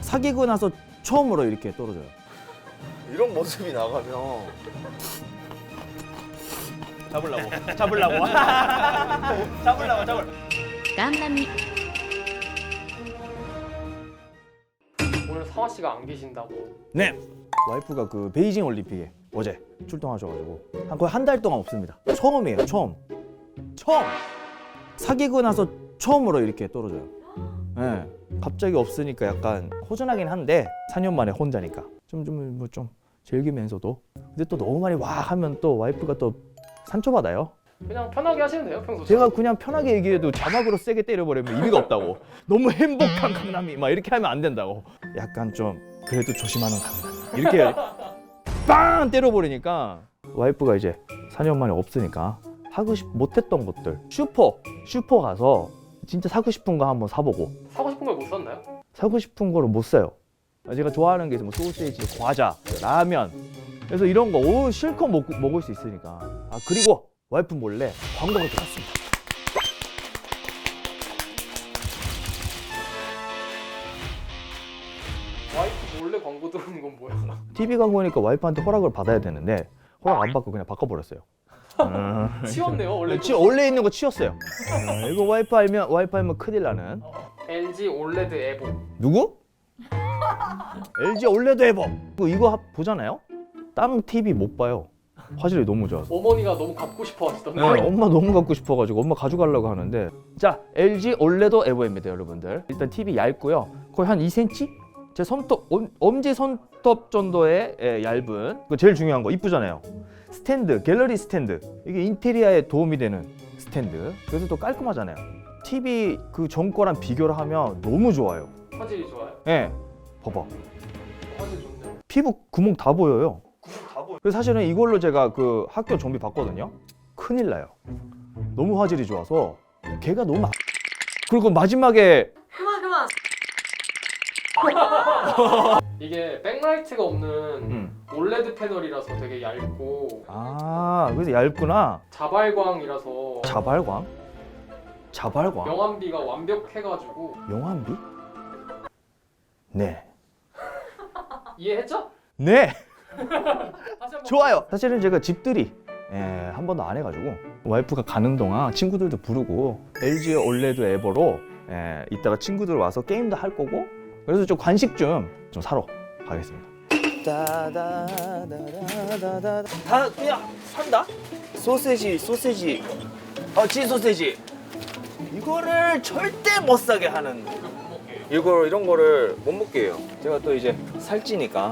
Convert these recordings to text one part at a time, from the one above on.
사귀고 나서 처음으로 이렇게 떨어져요. 이런 모습이 나가면 잡으려고. 잡으려고. ガンダミ 오늘 상화 씨가 안 계신다고. 네. 와이프가 그 베이징 올림픽에 어제 출동하셔가지고 거의 한 달 동안 없습니다. 처음이에요. 처음. 사귀고 나서 처음으로 이렇게 떨어져요. 네. 갑자기 없으니까 약간 허전하긴 한데 4년 만에 혼자니까 좀 즐기면서도 근데 또 너무 많이 와 하면 또 와이프가 또 상처받아요. 그냥 편하게 하시면 돼요, 평소. 제가 그냥 편하게 얘기해도 자막으로 세게 때려버리면 의미가 없다고. 너무 행복한 강남이 막 이렇게 하면 안 된다고. 약간 좀 그래도 조심하는 강남 이렇게 빵 때려버리니까 와이프가 이제 4년 만에 없으니까 하고 못했던 것들 슈퍼 가서 진짜 사고 싶은 거 한번 사보고 사고 싶은 걸 못 샀나요? 사고 싶은 거를 못 사요. 제가 좋아하는 게 있으면 소시지, 과자, 라면 그래서 이런 거 실컷 먹을 수 있으니까. 아 그리고 와이프 몰래 광고가 들어갔습니다. 와이프 몰래 광고 들어오는 건 뭐야? TV 광고니까 와이프한테 허락을 받아야 되는데 허락 안 받고 그냥 바꿔버렸어요. 치웠네요, 원래. 원래 있는 거 치웠어요. 이거 와이프 알면 큰일 나는. LG 올레드 에보. 누구? LG 올레드 에버. 이거 보잖아요? 다른 TV 못 봐요. 화질이 너무 좋아서. 어머니가 너무 갖고 싶어 하시던데. 네, 엄마 너무 갖고 싶어가지고 엄마 가져가려고 하는데 자 LG 올레드 에버입니다 여러분들. 일단 TV 얇고요 거의 한 2cm? 제 손톱 엄지 손톱 정도의 얇은 그 제일 중요한 거 이쁘잖아요. 스탠드 갤러리 스탠드 이게 인테리어에 도움이 되는 스탠드. 그래서 또 깔끔하잖아요. TV 그 전 거랑 비교를 하면 너무 좋아요. 화질이 좋아요? 예, 봐봐 화질 좋네요. 피부 구멍 다 보여요. 그래서 사실은 이걸로 제가 그 학교 정비 봤거든요. 큰일 나요. 너무 화질이 좋아서 걔가 너무 그리고 마지막에 이게 백라이트가 없는 올레드 패널이라서 되게 얇고 아 그래서 얇구나. 자발광이라서 자발광? 명암비가 완벽해가지고. 영암비? 네. 이해했죠? 네. 다시 한번. 좋아요. 사실은 제가 집들이 한 번도 안 해가지고 와이프가 가는 동안 친구들도 부르고 LG 올레드 에버로 이따가 친구들 와서 게임도 할 거고 그래서 좀 간식 좀 사러 가겠습니다. 다 그냥 산다? 소세지 진 소세지 이거를 절대 못 사게 하는 이런 거를 못 먹게 해요. 제가 또 이제 살찌니까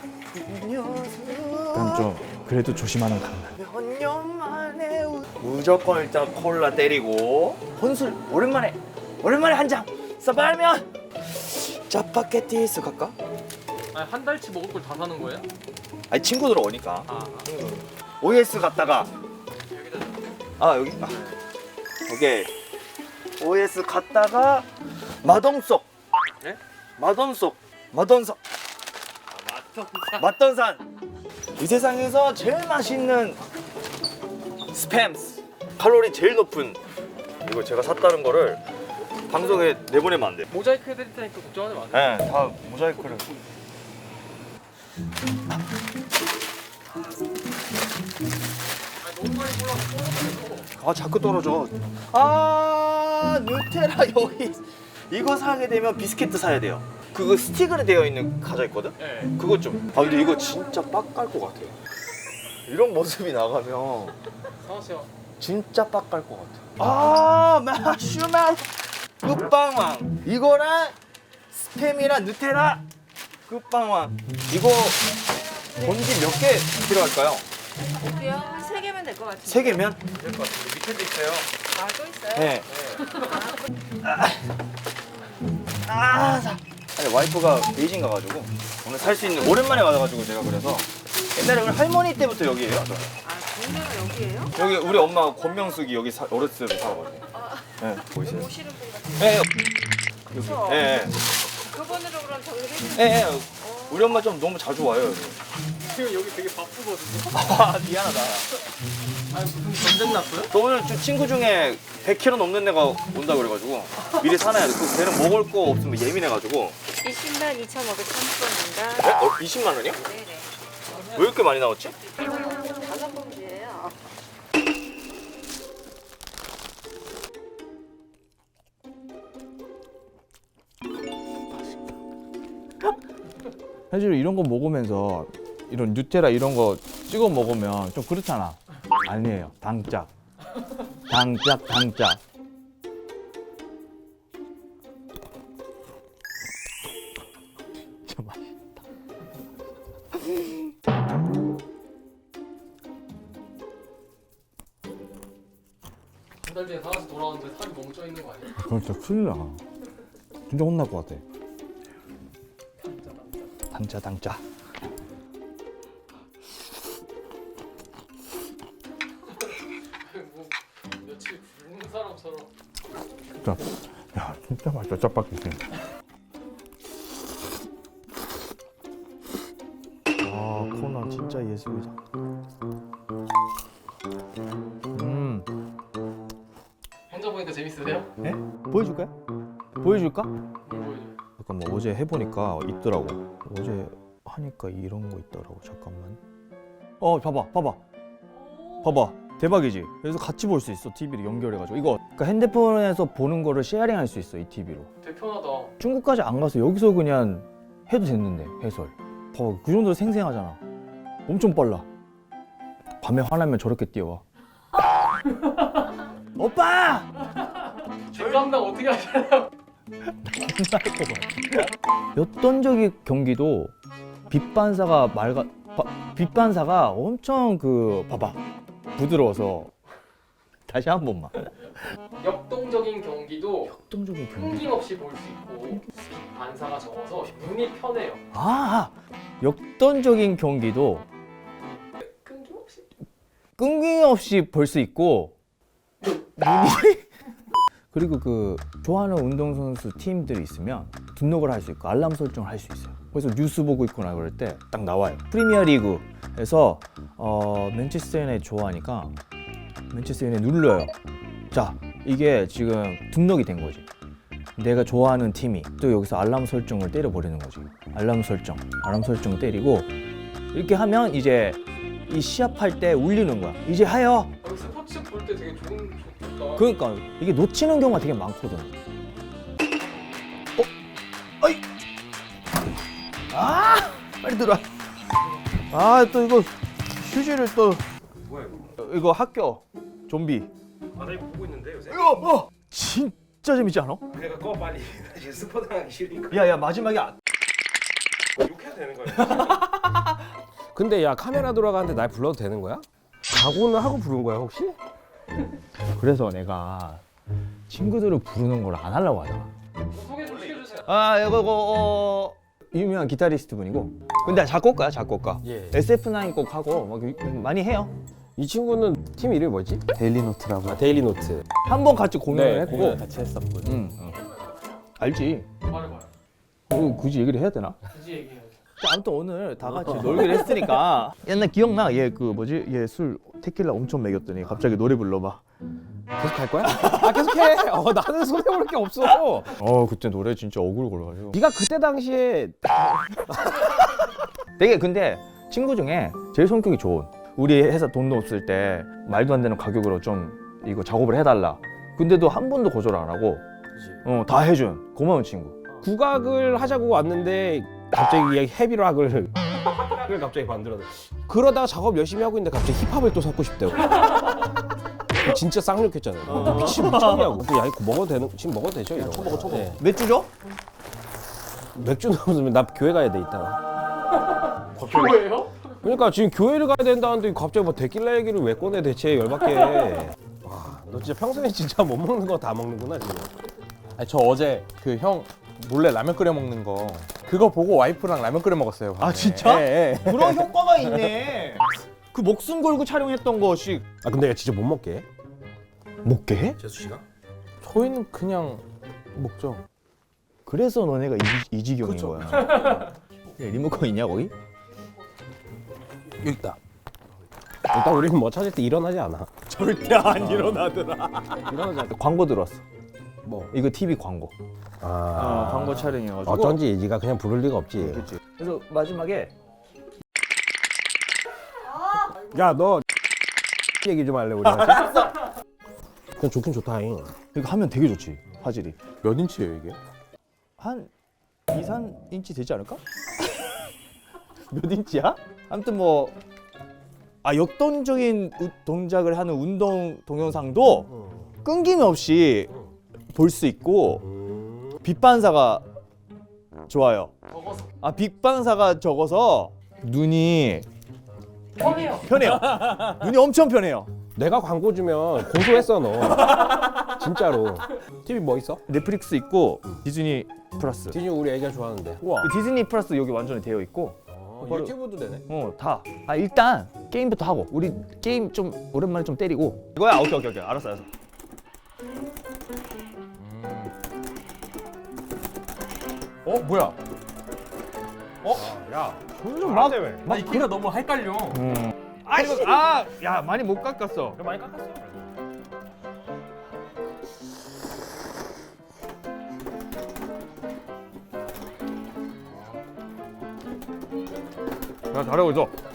일단 좀 그래도 조심하는 강남. 몇 년 만에 무조건 일단 콜라 때리고 혼술 오랜만에 한 잔 써발면 짜파게티스 갈까? 아니, 한 달치 먹을 걸 다 사는 거예요? 아니 친구들 오니까 아. OS 갔다가 여기 오케이 OS 갔다가 마동석 네? 마동석 아, 맛던산 이 세상에서 제일 맛있는 스팸스 칼로리 제일 높은 이거 제가 샀다는 거를 방송에 내보내면 안 돼. 모자이크 해드릴 테니까 걱정하지 마세요. 네, 다 모자이크를. 너무 많이 골라서 자꾸 떨어져. 누텔라 여기 이거 사게 되면 비스켓트 사야 돼요. 그거 스틱으로 되어 있는 과자 있거든? 네. 그거 좀. 근데 이거 진짜 빡 깔 것 같아요. 이런 모습이 나가면 상화 씨가 진짜 빡 깔 것 같아. 마슈멜 끝방왕 이거랑 스팸이랑 누텔라 끝방왕 이거 본지 몇 개 필요할까요? 볼게요. 한 3개면 될 것 같아요. 3개면? 될 것 같은데 밑에도 있어요. 아, 또 있어요? 네. 아니, 와이프가 베이징 가가지고 오늘 살 수 있는 오랜만에 와가지고 제가 그래서 옛날에 우리 할머니 때부터 여기에요. 저는. 동네가 여기예요? 여기 우리 엄마 권명숙이 여기 어렸을 때 살아가지고. 네, 보이세요? 오시는 분 같아요. 네, 그쵸? 네, 그분으로 그럼 정리해 주세요. 네, 네. 우리 엄마 좀 너무 자주 와요. 여기. 지금 여기 되게 바쁘거든요. 미안하다. 아니 무슨 전쟁 났어요? 저 오늘 친구 중에 100kg 넘는 애가 온다 그래가지고 미리 사놔야 돼. 걔는 먹을 거 없으면 예민해가지고. 20만 2,530원입니다. 20만 원이요? 네네. 왜 이렇게 많이 나왔지? 5봉지예요. 사실 이런 거 먹으면서 이런 누텔라 이런 거 찍어 먹으면 좀 그렇잖아. 아니에요. 당짝. 당짝. 진짜 맛있다. 한 달 뒤에 다시 돌아오는데 살이 너무 쪄 있는 거 아니야? 그럼 진짜 큰일 나. 진짜 혼날 것 같아. 당짜. 뭐 며칠 굶는 사람처럼. 진짜, 야, 진짜 맛있다. 짜파게티. 아, 코너 진짜 예술이다. 혼자 보니까 재밌으세요? 네? 보여줄까요? 보여줄까? 뭘 보여줘요? 잠깐 뭐 어제 해보니까 있더라고. 어제 하니까 이런 거 있더라고. 잠깐만. 봐봐. 대박이지? 그래서 같이 볼 수 있어. TV를 연결해가지고. 이거 그러니까 핸드폰에서 보는 거를 쉐어링할 수 있어. 이 TV로. 되게 편하다. 중국까지 안 가서 여기서 그냥 해도 됐는데 해설. 봐봐. 그 정도로 생생하잖아. 엄청 빨라. 밤에 화나면 저렇게 뛰어와. 오빠! 뒷감당 어떻게 하시나요? 역동적인 경기도 빛 반사가 엄청 봐봐 부드러워서 다시 한 번만. 역동적인 경기도 역동적인 끊김없이 볼 수 있고 빛 반사가 적어서 눈이 편해요. 역동적인 경기도 끊김없이 볼 수 있고 그리고 좋아하는 운동선수 팀들이 있으면 등록을 할 수 있고 알람 설정을 할 수 있어요. 그래서 뉴스 보고 있거나 그럴 때 딱 나와요. 프리미어 리그에서 맨체스터 유나이티드 좋아하니까 맨체스터 유나이티드 눌러요. 자, 이게 지금 등록이 된 거지. 내가 좋아하는 팀이 또 여기서 알람 설정을 때려버리는 거지. 알람 설정 때리고 이렇게 하면 이제 이 시합할 때 울리는 거야. 이제 하여. 스포츠 볼 때 되게 좋다. 그러니까 이게 놓치는 경우가 되게 많거든. 어이. 빨리 들어와. 또 이거 휴지를 또. 뭐야 이거? 이거 학교 좀비. 나 이거 보고 있는데 요새? 이거 진짜 재밌지 않아? 내가 꺼 빨리. 나 지금 스포 당하기 싫으니까. 야야 마지막에 욕해도 되는 거야? 근데 야 카메라 돌아가는데 날 불러도 되는 거야? 각오는 하고 부른 거야 혹시? 그래서 내가 친구들을 부르는 걸 안 하려고 하잖아. 소개 좀 시켜주세요. 이거 유명한 기타리스트 분이고. 근데 작곡가. 예. SF9 곡 하고 막 많이 해요. 이 친구는 팀 이름이 뭐지? 데일리노트라고. 데일리 노트. 한 번 같이 공연을 했고. 공연 같이 했었거든. 알지? 말해봐요. 굳이 얘기를 해야 되나? 굳이 얘기해요. 아무튼 오늘 다 같이 놀기로 했으니까. 옛날 기억나? 얘 얘 술 테킬라 엄청 먹였더니 갑자기 노래 불러봐. 계속 할 거야? 계속해. 나는 손해볼 게 없어. 그때 노래 진짜 어글거려가지고. 네가 그때 당시에 되게 근데 친구 중에 제일 성격이 좋은. 우리 회사 돈도 없을 때 말도 안 되는 가격으로 좀 이거 작업을 해달라. 근데도 한 번도 거절 안 하고 다 해준 고마운 친구. 국악을 하자고 왔는데 갑자기 헤비락을 갑자기 만들어. 그러다가 작업 열심히 하고 있는데 갑자기 힙합을 또 섞고 싶대요. 진짜 쌍욕했잖아요. 미쳤냐고. 야 이거 먹어도 되는? 지금 먹어도 되죠? 이런 거. 쳐먹어. 네. 맥주 줘? 맥주 넣으면 나 교회 가야 돼 이따가. 교회요? 그러니까 지금 교회를 가야 된다는데 갑자기 뭐 데킬라 얘기를 왜 꺼내 대체 열받게. 와, 너 진짜 평소에 진짜 못 먹는 거 다 먹는구나 지금. 아니, 저 어제 그 형 몰래 라면 끓여 먹는 거 그거 보고 와이프랑 라면 끓여 먹었어요. 밤에. 진짜? 예, 예. 그런 효과가 있네. 그 목숨 걸고 촬영했던 것이 아 근데 진짜 못 먹게 해? 먹게 해? 재수 씨가? 저희는 그냥 먹죠. 그래서 너네가 이지경인 그쵸. 거야. 리모컨 있냐 거기? 여기 있다. 일단 우리는 뭐 찾을 때 일어나지 않아. 절대 안 일어나더라. 일어나지 않아. 광고 들어왔어. 뭐? 이거 TV 광고. 광고 촬영이어가지고. 어쩐지 네가 그냥 부를 리가 없지. 그렇지. 그래서 마지막에 야, 너 얘기 좀 할래 우리한테? 그냥 좋긴 좋다잉. 이거 하면 되게 좋지 화질이. 몇 인치예요 이게? 한 2, 3인치 되지 않을까? 몇 인치야? 아무튼 뭐 역동적인 동작을 하는 운동 동영상도 끊김없이 볼 수 있고 빛 반사가 좋아요. 빛 반사가 적어서 눈이 편해요. 눈이 엄청 편해요. 내가 광고 주면 고소했어 너. 진짜로. TV 뭐 있어? 넷플릭스 있고 디즈니 플러스. 디즈니 우리 애기가 좋아하는데. 우와. 디즈니 플러스 여기 완전히 되어 있고 바로- 유튜브도 되네. 다. 일단 게임부터 하고 우리 게임 좀 오랜만에 좀 때리고 이거야. 오케이 알았어. 뭐야? 야, 좀 막 이 키가 너무 헷갈려. 야 많이 못 깎았어. 많이 깎았어. 야 잘하고 있어.